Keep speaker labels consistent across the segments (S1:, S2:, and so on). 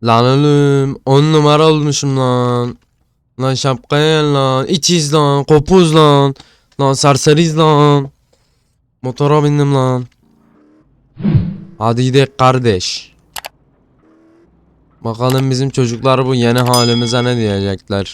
S1: Lan oğlum 10 numara olmuşum lan. Lan şapkaya gel lan. İçiz lan. Kopuz lan. Lan serseriz lan. Motora bindim lan. Hadi gidelim kardeş. Bakalım bizim çocuklar bu yeni halimize ne diyecekler.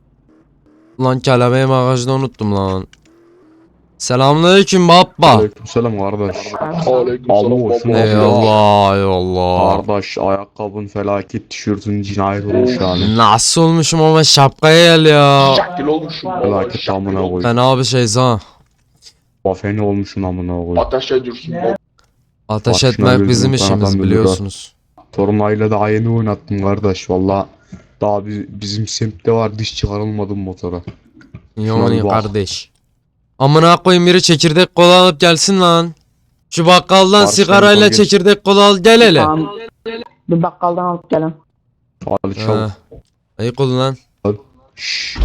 S1: Lan kelebeği bagajda unuttum lan. Selamünaleyküm baba.
S2: Aleykümselam kardeş. Allah olsun abi ya.
S1: Eyvallah eyvallah.
S2: Kardeş ayakkabın felaket, tişörtün cinayet olmuş yani.
S1: Nasıl olmuşum ama şapkaya gel ya.
S3: Şakil olmuşum.
S2: Felaket amına koy.
S1: Ben abi şeyiz ha.
S2: Bafeni olmuşsun amına koy.
S3: Ateş ediyorsun.
S1: Ateş
S2: Başına
S1: etmek
S2: gözüm
S1: bizim
S2: kanadan
S1: işimiz
S2: döndü
S1: biliyorsunuz.
S2: Tornayla daha yeni oynattım kardeş valla. Daha bizim semtte var, diş çıkarılmadı motora.
S1: Yani
S2: bak.
S1: kardeş. Amına koyayım biri çekirdek kola alıp gelsin lan. Şu bakkaldan
S2: Karşıdan
S1: sigarayla
S2: geç.
S1: çekirdek kola al gel hele.
S4: Tamam. Bir bakkaldan alıp gelin.
S2: Ali çabuk.
S1: Ayık olun lan.
S2: Şşş.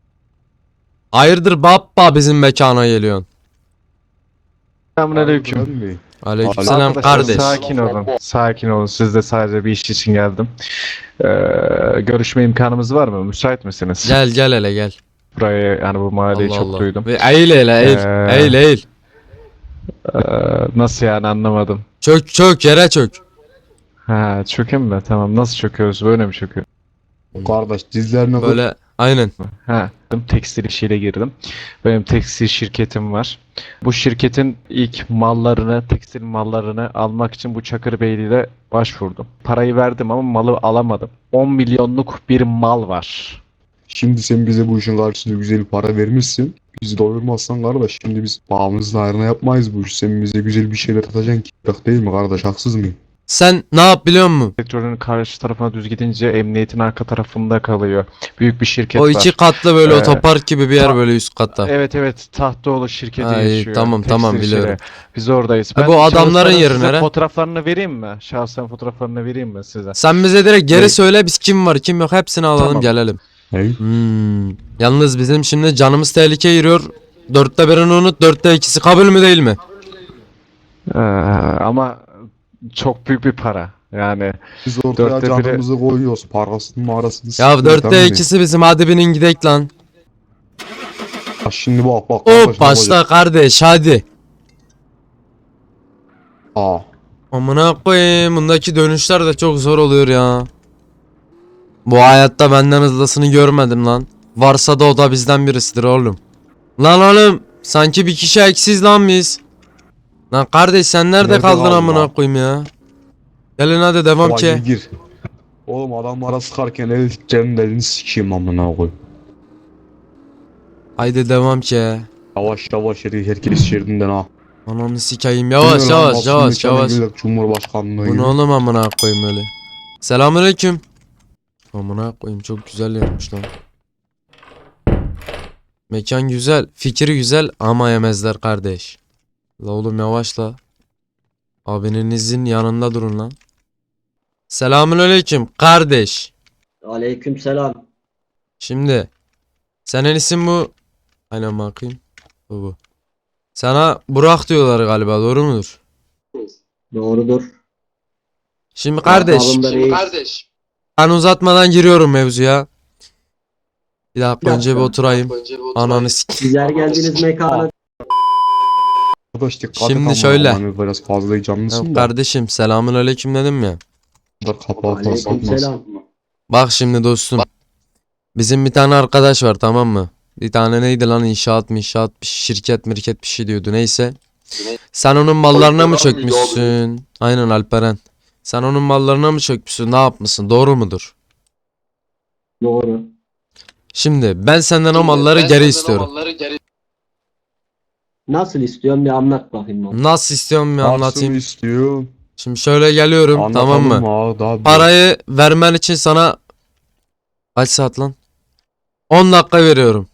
S1: Hayırdır baba bizim mekana geliyorsun.
S5: Selamünaleyküm.
S2: Aleyküm.
S1: Aleykümselam
S5: Arkadaşlar,
S1: kardeş.
S5: Sakin olun. Sakin olun. Siz de sadece bir iş için geldim. Görüşme imkanımız var mı? Müsait misiniz?
S1: Gel gel hele gel.
S5: Burayı yani bu mahalleyi
S1: Allah
S5: çok
S1: Allah.
S5: duydum.
S1: Ve eğil hele eğil. Eğil eğil.
S5: Ee, Nasıl yani anlamadım.
S1: Çök çök yere çök.
S5: Ha çökeyim mi? Tamam. Nasıl çöküyoruz? Böyle mi çöküyor?
S2: Kardeş dizlerine koy.
S1: Böyle aynen.
S5: Ha, tekstil işiyle girdim. Benim tekstil şirketim var. Bu şirketin ilk mallarını, tekstil mallarını almak için bu Çakırbeyli'de başvurdum. Parayı verdim ama malı alamadım. 10 milyonluk bir mal var.
S2: Şimdi sen bize bu işin karşılığında güzel bir para vermişsin. Bizi doyurmazsan kardeş, şimdi biz bağımızın ayrına yapmayız bu işi. Sen bize güzel bir şeyler atacaksın ki. Yok değil mi kardeş, haksız mıyım?
S1: Sen ne yap biliyor musun?
S5: Sektörün karşı tarafına düz gidince emniyetin arka tarafında kalıyor. Büyük bir şirket
S1: O
S5: var.
S1: iki katlı böyle
S5: Ee,
S1: otopark gibi bir yer böyle üst katta.
S5: Evet, Tahtoğlu şirketi
S1: Ha, iyi,
S5: yaşıyor.
S1: tamam,
S5: Tekstil
S1: tamam,
S5: işleri.
S1: biliyorum.
S5: Biz oradayız.
S1: Ha, bu adamların
S5: şahısların
S1: yeri
S5: size
S1: nere?
S5: fotoğraflarını vereyim mi? Şahsen fotoğraflarını vereyim mi size?
S1: Sen bize direkt geri
S5: Ne?
S1: söyle biz kim var kim yok hepsini alalım
S5: Tamam.
S1: gelelim.
S2: Hey?
S1: Yalnız bizim şimdi canımız tehlikeye giriyor. 4'te 1'ini unut 4'te 2'si kabul mü değil mi?
S5: Ama çok büyük bir para. Yani
S2: Biz ortaya
S5: Dörtte biri-
S2: canımızı koyuyoruz. Parasını marasını
S1: Ya
S2: siktir,
S1: 4'te
S2: tamam mı?
S1: 2'si bizim hadi binin gidek lan.
S2: Ha, şimdi bak
S1: Hop
S2: kardeş, ne
S1: başla
S2: olacak?
S1: kardeş hadi.
S2: Aa,
S1: Amına koyayım bundaki dönüşler de çok zor oluyor ya. Bu hayatta benden hızlısını görmedim lan. Varsa da o da bizden birisidir oğlum. Lan oğlum sanki bir kişi eksiz lan biz. Lan kardeş sen nerede
S2: Nerede
S1: kaldın
S2: kaldın
S1: amına
S2: lan?
S1: koyayım ya. Gelin hadi devam
S2: ulan
S1: ki.
S2: gir. Oğlum adamlara sıkarken el tutacağım, elini sikeyim amına koy.
S1: Haydi devam ki.
S2: Yavaş yavaş herkes şeridinden ha.
S1: Ananı sikeyim yavaş yavaş yavaş yavaş.
S2: Cumhurbaşkanlığı
S1: Bu
S2: gibi.
S1: ne oğlum amına koyayım öyle. Selamünaleyküm. Amına koyayım çok güzel yapmış lan. Mekan güzel, fikri güzel ama yemezler kardeş. La oğlum yavaşla. Abinizin yanında durun lan. Selamünaleyküm kardeş.
S6: Aleykümselam.
S1: Şimdi senin isim bu. Aynen bakayım. Bu. Sana Burak diyorlar galiba doğru mudur?
S6: Doğrudur.
S1: Şimdi kardeş
S6: Sağlığında reis.
S3: Kardeş.
S1: ben uzatmadan giriyorum mevzuya. Bir dakika önce bir oturayım. Ananı
S6: Sizler geldiniz mekana.
S2: Arkadaş dikkat
S1: Şimdi
S2: et ama
S1: şöyle.
S2: hani biraz fazla heyecanlısın da.
S1: Kardeşim selamünaleyküm dedim ya.
S2: Bunlar kapağı fazla atmaz.
S6: Aleykümselam.
S1: Bak şimdi dostum. Bizim bir tane arkadaş var tamam mı? Bir tane neydi lan inşaat bir şirket mirket bir şey diyordu neyse. Sen onun mallarına mı
S3: Alperen miydi
S1: çökmüşsün? Aynen Alperen. Sen onun mallarına mı çökmüşsün? Ne yapmışsın? Doğru mudur?
S6: Doğru.
S1: Şimdi ben senden o malları geri istiyorum.
S6: Nasıl istiyorsun bir anlat bakayım bana.
S1: Nasıl istiyorum bir
S2: Nasıl
S1: anlatayım.
S2: istiyor?
S1: Şimdi şöyle geliyorum tamam mı?
S2: Abi, daha
S1: Parayı vermen için sana kaç saat lan? 10 dakika veriyorum.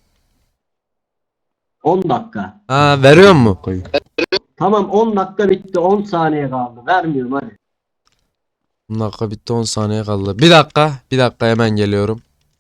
S6: 10 dakika.
S1: Ha veriyor mu?
S6: Tamam 10 dakika bitti 10 saniye kaldı. Vermiyorum hadi.
S1: 10 dakika bitti 10 saniye kaldı. Bir dakika hemen geliyorum.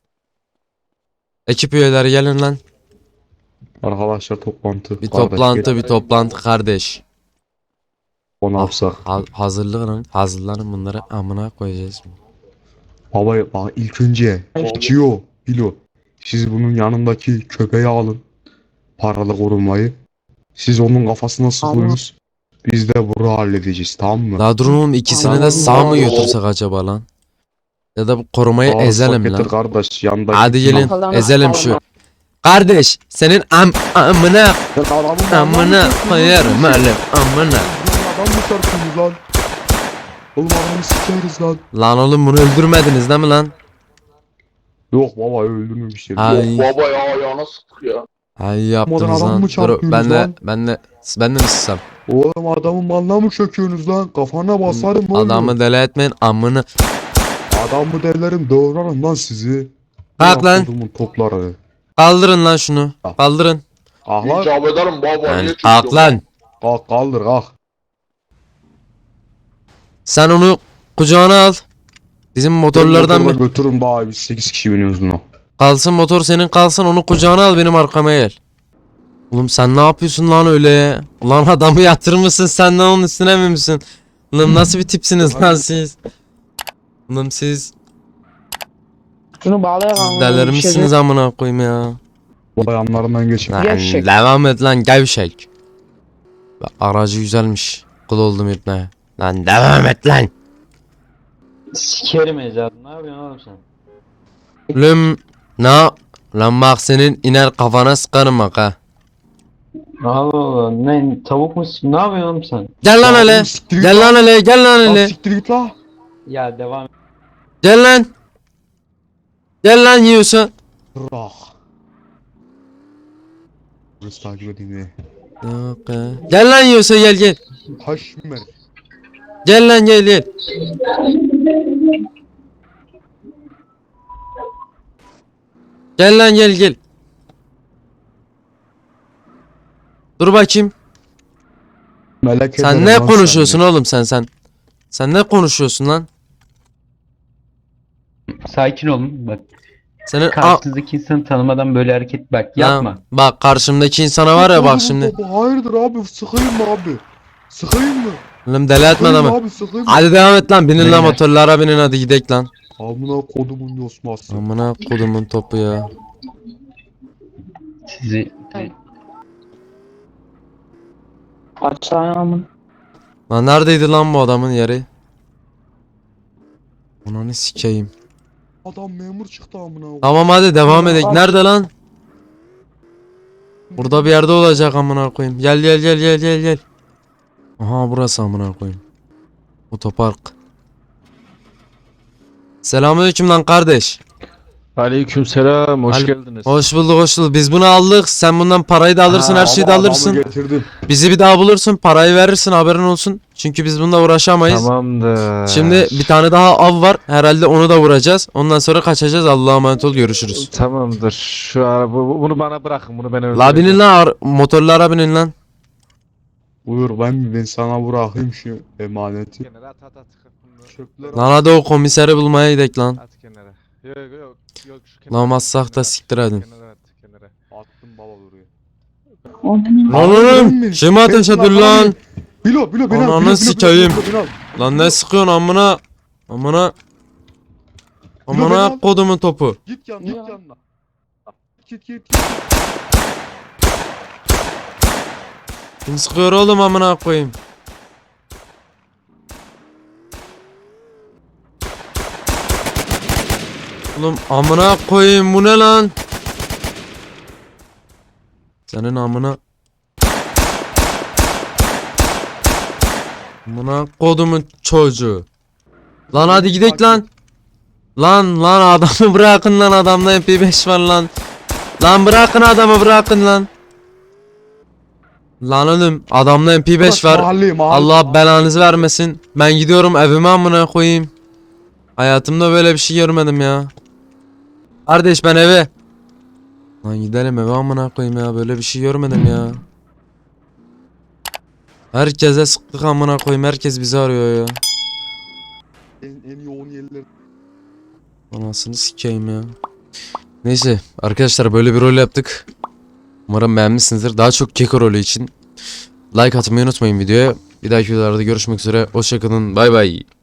S1: Ekip üyeleri gelin lan.
S2: Arkadaşlar toplantı.
S1: Bir
S2: Kardeş,
S1: toplantı
S2: gel.
S1: bir toplantı kardeş.
S2: O ne yapsak?
S1: Hazırlanın bunları amına koyacağız.
S2: Baba bak ilk önce Cio, Bilo. Siz bunun yanındaki köpeği alın. Paralı korumayı. Siz onun kafasına sıkıyorsunuz. Biz de bunu halledeceğiz, tamam mı?
S1: La durun oğlum, ikisini de
S4: Tamam.
S1: sağ mı götürsek acaba lan? Ya da bu korumayı
S2: Sağ
S1: ezelim
S2: getir
S1: lan.
S2: kardeş yandaki.
S1: Hadi gelin
S4: Bakalım.
S1: ezelim şu. Kardeş senin amına amına koyarım öyle amına.
S2: Adam mı çarpıyorsunuz lan? Oğlum adamı sikeriz lan.
S1: Lan oğlum bunu öldürmediniz değil mi lan?
S2: Yok baba öldürmemişler.
S1: Ay.
S3: Baba ya ayağına sık ya.
S1: Ay yaptınız
S2: adam
S1: lan.
S2: mı
S1: Dur
S2: çarpıyorsunuz
S1: ben de
S2: lan?
S1: ben de mi sıksam?
S2: Oğlum adamın malına mı çöküyorsunuz lan? Kafana basarım oğlum.
S1: Adamı deli etmeyin amını.
S2: Adamı delirim doğrarım lan sizi.
S1: Kalk lan.
S2: Kodumun topları.
S1: Kaldırın lan şunu. Kaldırın.
S2: Kalk lan.
S3: İcap ederim baba.
S1: Lan
S3: niye
S1: kalk
S3: çekiyorsun?
S1: lan.
S2: Kalk kaldır kalk.
S1: Sen onu kucağına al. Bizim motorlardan
S2: Motorla
S1: bir
S2: götürün bari biz 8 kişi biniyoruz buna.
S1: kalsın, motor senin kalsın, onu kucağına al, benim arkama gel. Oğlum sen ne yapıyorsun lan öyle? Ulan adamı yatırmışsın, sen de onun üstüne mi misin? Oğlum nasıl bir tipsiniz lan siz? Oğlum siz
S4: Şunu bağlayalım.
S1: delirmişsiniz amına koyayım ya.
S2: Bu yanlarından geçin.
S1: Lan
S4: Gevşek.
S1: devam et lan gevşek. Bak, aracı güzelmiş. Kul oldum ipne. Lan devam et lan.
S7: Sikerim Ecad. Ne yapıyorsun oğlum sen?
S1: Oğlum ne? Lan bak senin iner kafana sıkarım bak ha.
S7: Allah Allah. Ne tavuk mu? Ne yapıyorsun oğlum sen?
S1: Gel lan hele.
S2: Siktir git
S1: Gel lan hele. Gel lan
S2: Lan
S1: hele.
S2: siktir git la.
S7: Ya devam et.
S1: Gel lan. Gel lan yiyorsa.
S2: Bırak. Burası takip edeyim ya.
S1: Yok ya. Gel lan yiyorsa gel gel.
S2: Haşmer.
S1: Gel lan gel gel. Gel lan gel gel. Dur bakayım.
S2: Melek
S1: Sen
S2: ederim
S1: ne
S2: lan
S1: konuşuyorsun oğlum sen? Sen ne konuşuyorsun lan?
S7: Sakin olun. Bak
S1: Senin
S7: karşınızdaki insanı tanımadan böyle hareket bak yapma.
S1: Lan, bak karşımdaki insana var ya bak şimdi.
S2: Baba, hayırdır abi sıkayım mı abi? Sıkayım mı?
S1: Oğlum deli etme
S2: Sıkayım
S1: adamı.
S2: abi sıkayım mı?
S1: Hadi devam et lan, binin lan
S7: Beyler.
S1: motorlara binin, hadi gidek lan.
S2: Amına kodumun yosması.
S1: Amına kodumun topu ya.
S7: Sizi
S4: Açayım.
S1: Lan neredeydi lan bu adamın yeri? Ananı sikeyim.
S2: Adam memur çıktı amına.
S1: Tamam hadi devam edek. Nerede lan? Burada bir yerde olacak amına koyayım. Gel gel gel gel gel gel. Aha burası amına koyayım. Otopark. Selamünaleyküm lan kardeş.
S5: Aleykümselam, hoş
S1: Al-
S5: geldiniz.
S1: Hoş bulduk hoş bulduk. Biz bunu aldık. Sen bundan parayı da alırsın, her şeyi de
S2: Adamı
S1: alırsın.
S2: getirdim.
S1: Bizi bir daha bulursun, parayı verirsin, haberin olsun. Çünkü biz bununla uğraşamayız.
S5: Tamamdır.
S1: Şimdi bir tane daha av var. Herhalde onu da vuracağız. Ondan sonra kaçacağız. Allah'a emanet ol, görüşürüz.
S5: Tamamdır. Şu araba bunu bana bırakın. Bunu ben
S1: La
S5: öldüreceğim.
S1: binin lan, motorlara binin lan.
S2: Buyur ben sana bırakayım şu emaneti.
S5: Kenara at at at. Bunu
S2: Çöpler
S1: Lan hadi o komiseri bulmaya gidelim lan.
S5: at kenara. Yok yok yok. Şu kenara
S1: Lan
S5: at,
S1: massak da
S5: kenara at,
S1: siktir edin.
S5: Kenara at kenara.
S2: attım baba buraya.
S1: Lan oğlum kim ateş ediyor lan?
S2: Bilo beni al.
S1: Ananı
S2: Bilo,
S1: sikeyim.
S2: beni al.
S1: Lan ne sıkıyorsun amına? Amına. Amına kodumun topu.
S2: Git
S4: Ya.
S2: yanına. Git.
S1: Kim sıkıyor oğlum amına koyayım? Oğlum amına koyayım, bu ne lan? Senin amına. Amına kodumun çocuğu. Lan hadi gidelim lan. Lan adamı bırakın lan, adamda MP5 var lan. Lan bırakın adamı, bırakın lan. Lan oğlum adamda MP5 var.
S2: Mahalle.
S1: Allah belanızı vermesin. Ben gidiyorum evime amına koyayım. Hayatımda böyle bir şey görmedim ya. Kardeş ben eve. Lan gidelim eve amına koyayım ya, böyle bir şey görmedim ya. Herkese sıktık amına koyayım, herkes bizi arıyor ya.
S2: En yoğun yerler.
S1: Anasını sikeyim ya. Neyse arkadaşlar, böyle bir rol yaptık. Umarım beğenmişsinizdir. Daha çok keko rolü için like atmayı unutmayın videoya. Bir dahaki videolarda görüşmek üzere. Hoşçakalın. Bay bay.